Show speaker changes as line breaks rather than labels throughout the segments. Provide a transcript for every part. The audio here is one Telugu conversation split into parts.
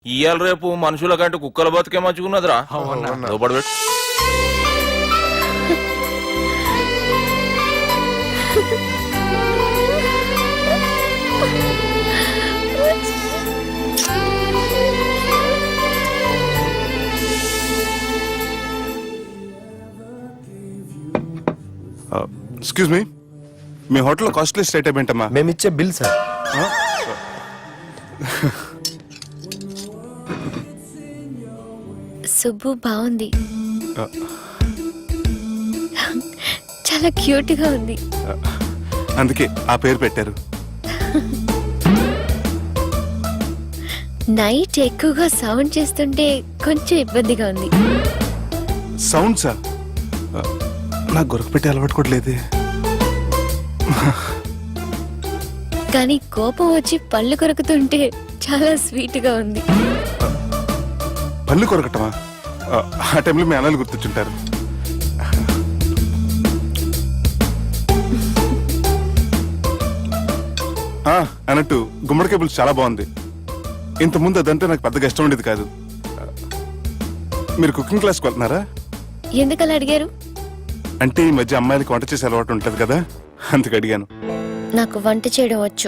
ఇయ్యాల రేపు మనుషుల కంటే కుక్కల బతికే మంచుకున్నదిరా. లోపడబెట్టు.
ఎక్స్క్యూజ్ మీ, మీ హోటల్లో కాస్ట్లీ స్టేట్ ఏంటమ్మా?
మేమిచ్చే బిల్ సార్.
సుబ్బు బాగుంది, చాలా క్యూట్ గా ఉంది.
అందుకే ఆ పేరు పెట్టారు.
నైట్ ఎక్కువగా సౌండ్ చేస్తుంటే కొంచెం ఇబ్బందిగా ఉంది.
సౌండ్సా? నాకు గొరక పెట్టి అలవాటు కూడా లేదే.
కానీ కోపం వచ్చి పళ్ళు కొరుకుతుంటే చాలా స్వీట్ గా ఉంది.
పళ్ళు కొరకటమా? ఆ టైంలో మీ అన్నలు గుర్తొచ్చుంటారు. అన్నట్టు గుమ్మడికాయ పులుసు చాలా బాగుంది. ఇంతకుముందు అదంటే నాకు పెద్దగా ఇష్టం ఉండేది కాదు. మీరు కుకింగ్ క్లాస్కి వెళ్తున్నారా?
ఎందుకలా అడిగారు?
అంటే ఈ మధ్య అమ్మాయిలకి వంట చేసే అలవాటు ఉంటుంది కదా, అందుకు అడిగాను.
నాకు వంట చేయడం వచ్చు.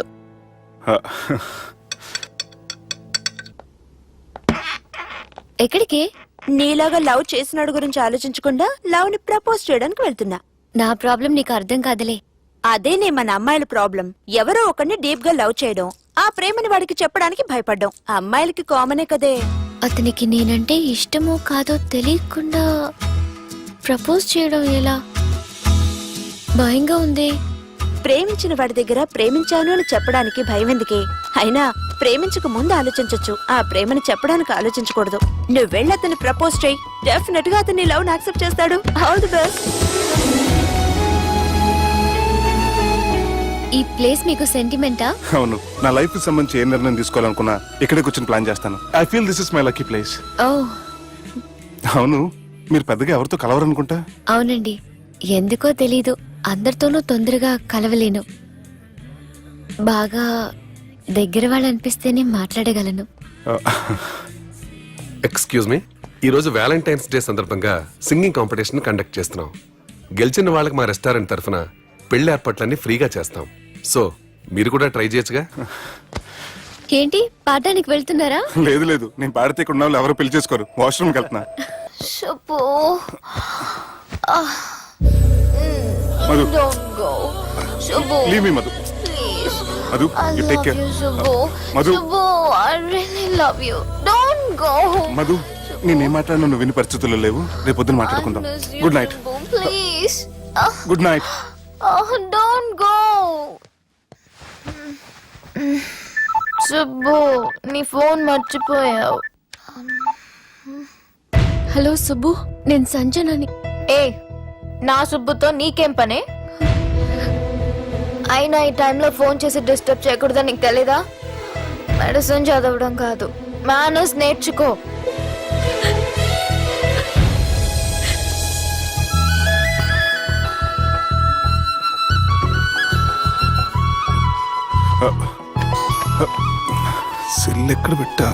ఎక్కడికి?
నీలాగా లవ్ చేసినాడు గురించి ఆలోచించకుండా లవ్ ని ప్రపోజ్ చేయడానికి వెళ్తున్నా.
నా ప్రాబ్లం నీకు అర్థం కాదులే.
అదేనే మన అమ్మాయిల ప్రాబ్లం. ఎవరో ఒకరిని డీప్ గా లవ్ చేయడం, ఆ ప్రేమని వాడికి చెప్పడానికి భయపడ్డం అమ్మాయిలకి కామనే కదే.
అతనికి నేనంటే ఇష్టమో కాదో తెలియకుండా ప్రపోజ్ చేయడం ఎలా? భయంగా ఉంది.
ప్రేమించిన వాడి దగ్గర ప్రేమించాను అని చెప్పడానికి భయం ఎందుకే? అయినా ప్రేమించక ముందు ఆలోచించొచ్చు, ఆ ప్రేమని చెప్పడానికి ఆలోచించకూడదు. నువ్వు వెళ్ళి అతన్ని ప్రపోజ్ చేయి, డెఫినెట్ గా అతన్ని లవ్ యాక్సెప్ట్ చేస్తాడు. All the best.
ఈ ప్లేస్ మీకు సెంటిమెంటా?
అవును, నా లైఫ్ కి సంబంధించి ఏ నిర్ణయం తీసుకోవాలనుకున్నా ఇక్కడే కూర్చొని ప్లాన్ చేస్తాను. I feel this is my lucky place.
ఓ
అవును, మీరు పెద్దగా ఎవరితో కలవరనుకుంటా?
అవునండి, ఎందుకో తెలీదు, అందరితోనూ తొందరగా కలవలేను. బాగా దగ్గర వాళ్ళు అనిపిస్తేనే మాట్లాడగలను.
ఎక్స్క్యూజ్ మీ, ఈరోజు వ్యాలంటైన్స్ డే సందర్భంగా సింగింగ్ కాంపిటీషన్ కండక్ట్ చేస్తున్నాం. గెలిచిన వాళ్ళకి మా రెస్టారెంట్ తరఫున పెళ్లి ఏర్పాట్లన్నీ ఫ్రీగా చేస్తాం. సో మీరు కూడా ట్రై చేయొచ్చుగా.
ఏంటి, పాడడానికి వెళ్తున్నారా?
లేదు లేదు, నేను పాడితే ఇక్కడ ఉన్న వాళ్ళు ఎవరు పెళ్లి చేసుకోరు. వాష్రూమ్కి వెళ్తున్నా. Madhu, leave me Madhu. Madhu, you take care. Madhu, Madhu, నేనేం మాట్లాడినా నువ్వు విని పరిస్థితుల్లో లేవు. రేపు పొద్దున మాట్లాడుకుందాం. Good night. Good night.
Don't go. Subbu, నీ ఫోన్ మర్చిపోయావు. హలో సుబ్బు, నేను సంజనని.
ఏ, నా సుబ్బుతో నీకేం పనే? అయినా ఈ టైంలో ఫోన్ చేసి డిస్టర్బ్ చేయకూడదని నీకు తెలీదా? మెడిసిన్ చదవడం కాదు, మేనర్స్ నేర్చుకో.
సెల్ ఎక్కడ పెట్టా?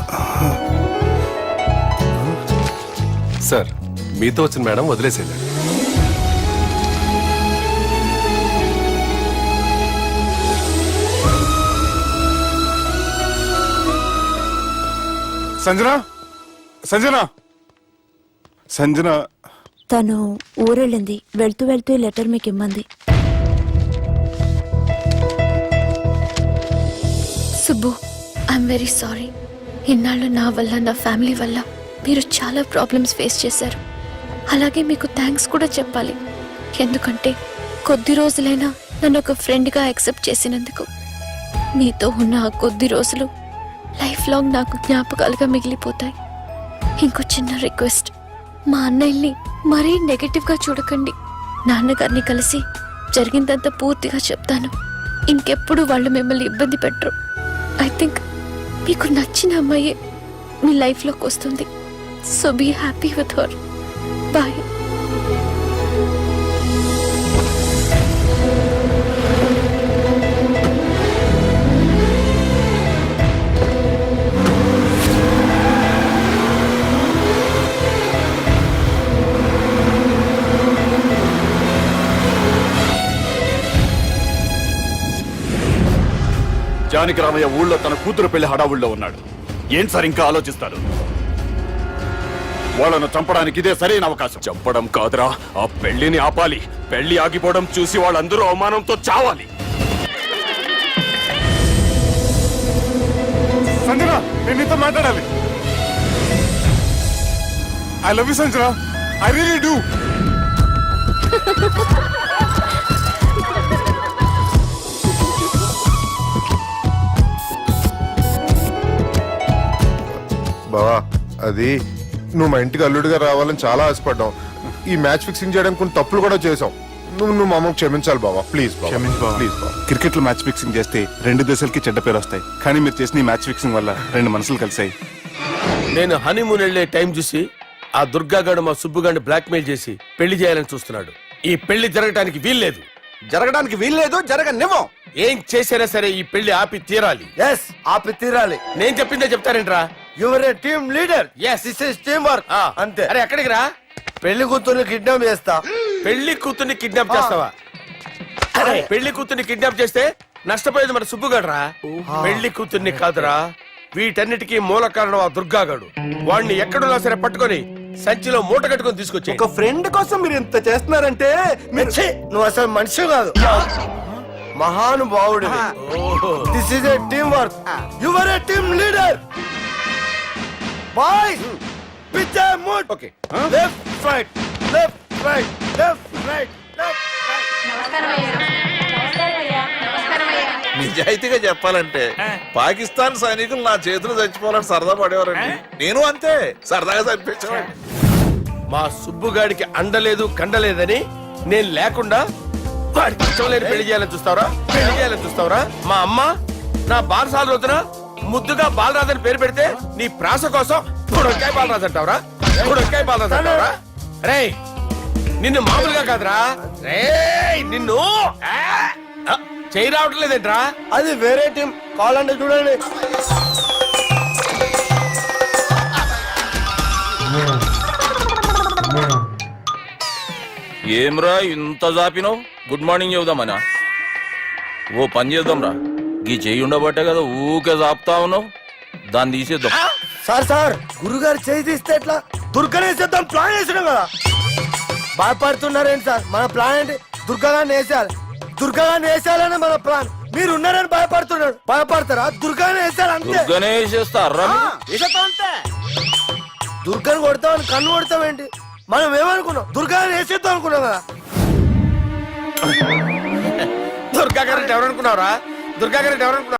సార్, మీతో వచ్చిన మేడం వదిలేసేయండి.
సంజన, సంజన, సంజన.
తను ఊరెళ్ళింది. వెళ్తూ వెళ్తూ ఈ లెటర్ మీకు ఇమ్మంది.
Subbu, I'm very sorry. ఇన్నాళ్ళు నా వల్ల, నా ఫ్యామిలీ వల్ల మీరు చాలా ప్రాబ్లమ్స్ ఫేస్ చేశారు. అలాగే మీకు థ్యాంక్స్ కూడా చెప్పాలి. ఎందుకంటే కొద్ది రోజులైనా నన్ను ఒక ఫ్రెండ్గా యాక్సెప్ట్ చేసినందుకు. మీతో ఉన్న ఆ కొద్ది రోజులు లైఫ్ లాంగ్ నాకు జ్ఞాపకాలుగా మిగిలిపోతాయి. ఇంకో చిన్న రిక్వెస్ట్, మా అన్నయ్యని మరీ నెగటివ్గా చూడకండి. నాన్నగారిని కలిసి జరిగిందంతా పూర్తిగా చెప్తాను. ఇంకెప్పుడు వాళ్ళు మిమ్మల్ని ఇబ్బంది పెట్టరు. ఐ థింక్ మీకు నచ్చిన అమ్మాయి మీ లైఫ్లోకి వస్తుంది. So be happy with her. Bye.
Janaki Ramayya ఊళ్ళో తన కూతురు పెళ్లి హడావుల్లో ఉన్నాడు. ఏం సార్ ఇంకా ఆలోచిస్తారు? వాళ్ళను చంపడానికి ఇదే సరైన అవకాశం. చంపడం కాదురా, ఆ పెళ్లిని ఆపాలి. పెళ్లి ఆగిపోవడం చూసి వాళ్ళందరూ అవమానంతో చావాలి.
సంజన, నేను నీతో మాట్లాడాలి. I love you Sanjana, I really do.
బావా, అది నువ్వు మా ఇంటికి అల్లుడిగా రావాలని చాలా ఆశపడ్డావు. ఈ మ్యాచ్ ఫిక్సింగ్ చేయడానికి కొన్ని తప్పులు కూడా చేసావు. నువ్వు మా అమ్మకు క్షమించాలి బావా, ప్లీజ్
క్షమించు బావ.
ప్లీజ్ బావా.
క్రికెట్ లో మ్యాచ్ ఫిక్సింగ్ చేస్తే 2 దేశాలకి చెడ్డ పేరు వస్తాయి. కానీ మీరు చేసిన ఈ మ్యాచ్ ఫిక్సింగ్ వల్ల 2 మనసులు కలిసాయి.
నేను హనీమూన్ వెళ్లే టైం చూసి ఆ దుర్గాగాడు మా సుబ్బుగాడిని బ్లాక్మెయిల్ చేసి పెళ్లి చేయాలని చూస్తున్నాడు. ఈ పెళ్లి జరగటానికి వీల్లేదు.
జరగడానికి వీల్లేదు, జరగనివ్వం.
ఏం చేసినా సరే ఈ పెళ్లి ఆపి తీరాలి.
ఎస్, ఆపి తీరాలి.
నేను చెప్పిందే చెప్తారేంట్రా?
Your a team leader.
Yes.
This is team work. అంతే.
అరే ఎక్కడికి రా?
పెళ్లి కూతుర్ని కిడ్నాప్ చేస్తా.
పెళ్లి కూతుర్ని కిడ్నాప్ చేస్తావా? అరే పెళ్లి కూతుర్ని కిడ్నాప్ చేస్తే నష్టపోయేది మన సుబ్బుగాడురా. పెళ్లి కూతుర్ని కాదురా, వీటన్నిటికీ మూల కారణం ఆ దుర్గాగాడు. వాడిని ఎక్కడున్నా సరే పట్టుకొని సంచిలో మూట కట్టుకొని తీసుకొచ్చి
ఒక ఫ్రెండ్ కోసం మీరు ఇంత చేస్తున్నారంటే ఛీ, నువ్వు అసలు మనిషి కాదు, మహానుభావుడు. This is a team work. Your a team leader. Boys, pitch a mood.
Okay.
Left right, left right, left right, left right.
నిజాయితీగా చెప్పాలంటే పాకిస్తాన్ సైనికులు నా చేతులు చచ్చిపోవాలని సరదా పడేవారండి. నేను అంతే సరదాగా చనిపించేవాడిని.
మా సుబ్బుగాడికి అండలేదు కండలేదని నేను లేకుండా వాడికి ఇష్టం లేని పెళ్లి చేయాలని చూస్తావరా? పెళ్లి చేయాలని చూస్తావరా? మా అమ్మ నా బాలసాల రోజున ముద్దుగా బాలరాజు పేరు పెడితే నీ ప్రాస కోసం పుడొక్కాయ బాలరాజు అంటావరా? పుడొక్కాయ బాలరాజు అంటావరా? రే నిన్ను మామూలుగా కాదురా, రే నిన్ను చేయి రావట్లేదేంట్రా?
అది వేరే టీం, కావాలంటే చూడండి.
ఏమ్రా ఇంత జాపినావు? Good morning చెబుదామనా? ఓ పని చేద్దాం రా, గీ చెయ్యి ఉండబట్టే కదా ఊకే జాపుతా ఉన్నావు. దాన్ని తీసేద్దాం.
సార్ సార్, గురుగారు చేయి తీస్తే ఎట్లా? దుర్గనేసేద్దాం ప్లాన్ వేసినాం కదా. భయపడుతున్నారేంటి సార్? మన ప్లాన్ ఏంటి? దుర్గాన్ని వేసేయాలి. దుర్గాన్ని వేసేయాలని మన ప్లాన్. మీరు ఉన్నారని భయపడుతున్నాడు. భయపడతారా? దుర్గాన్ని వేసేయాలి అంతే.
దుర్గనే వేసేస్తారా?
వేసేద్దాం అంతే. దుర్గాని కొడతామని కన్ను కొడతామేంటి? మనం ఏమనుకున్నాం? దుర్గాన్ని వేసేద్దాం అనుకున్నాం కదా.
దుర్గా గారు ఎవరనుకున్నావురా? దుర్గా గారు ఎవరనుకున్నావు?